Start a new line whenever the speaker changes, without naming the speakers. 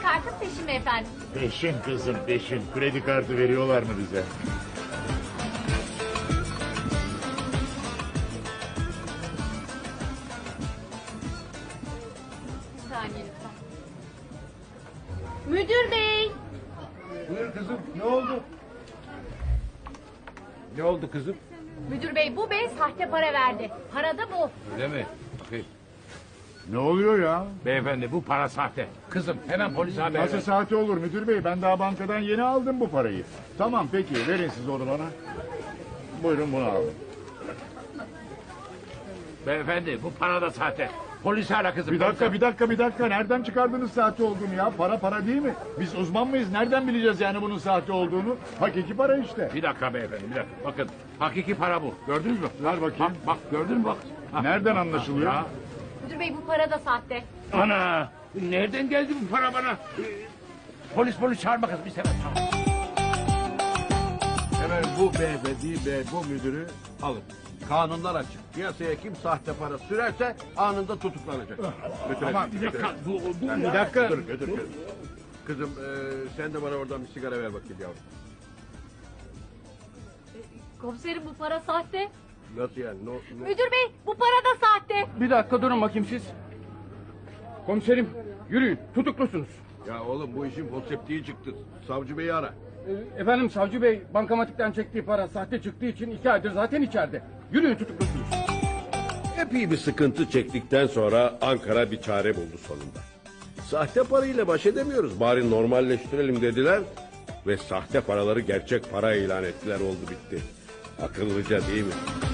kartın peşin mi efendim?
Peşin kızım peşin. Kredi kartı veriyorlar mı bize?
Bir saniye lütfen. Müdür bey.
Buyur kızım, ne oldu? Ne oldu kızım?
Müdür bey, bu bey sahte para verdi. Para da bu.
Öyle mi? Bakayım.
Ne oluyor ya?
Beyefendi bu para sahte. Kızım hemen polise haber
Nasıl
ver.
saati olur müdür bey? Ben daha bankadan yeni aldım bu parayı. Tamam peki verin siz onu bana. Buyurun bunu alın.
Beyefendi bu para da sahte. Polisi ara kızım.
Bir dakika. Nereden çıkardınız sahte olduğunu ya? Para değil mi? Biz uzman mıyız? Nereden bileceğiz yani bunun sahte olduğunu? Hakiki para işte.
Bir dakika beyefendi bir dakika. Bakın hakiki para bu. Gördünüz mü?
Ver bakayım.
Bak gördün mü bak. Ha.
Nereden anlaşılıyor?
Ya.
Müdür bey, bu para da sahte.
Ana nereden geldi bu para bana? Polis çağırma kızım bir sefer.
Hemen bu beyefendi ve bu müdürü alın. Kanunlar açık. Piyasaya kim sahte para sürerse anında tutuklanacak. Götürelim,
Ama bir dakika.
götürelim.
Bir dakika.
Götür. Kızım sen de bana oradan bir sigara ver bakayım yavrum.
Komiserim, bu para sahte.
Nasıl yani?
Müdür bey, bu para da sahte.
Bir dakika durun bakayım siz. Komiserim yürüyün tutuklusunuz.
Ya oğlum bu işin konseptiği çıktı. Savcı beyi ara.
Efendim savcı bey bankamatikten çektiği para sahte çıktığı için 2 aydır zaten içeride. Yürüyün tutuklusunuz.
Epey bir sıkıntı çektikten sonra Ankara bir çare buldu sonunda. Sahte parayla baş edemiyoruz, bari normalleştirelim dediler ve sahte paraları gerçek para ilan ettiler, oldu bitti. Akıllıca değil mi?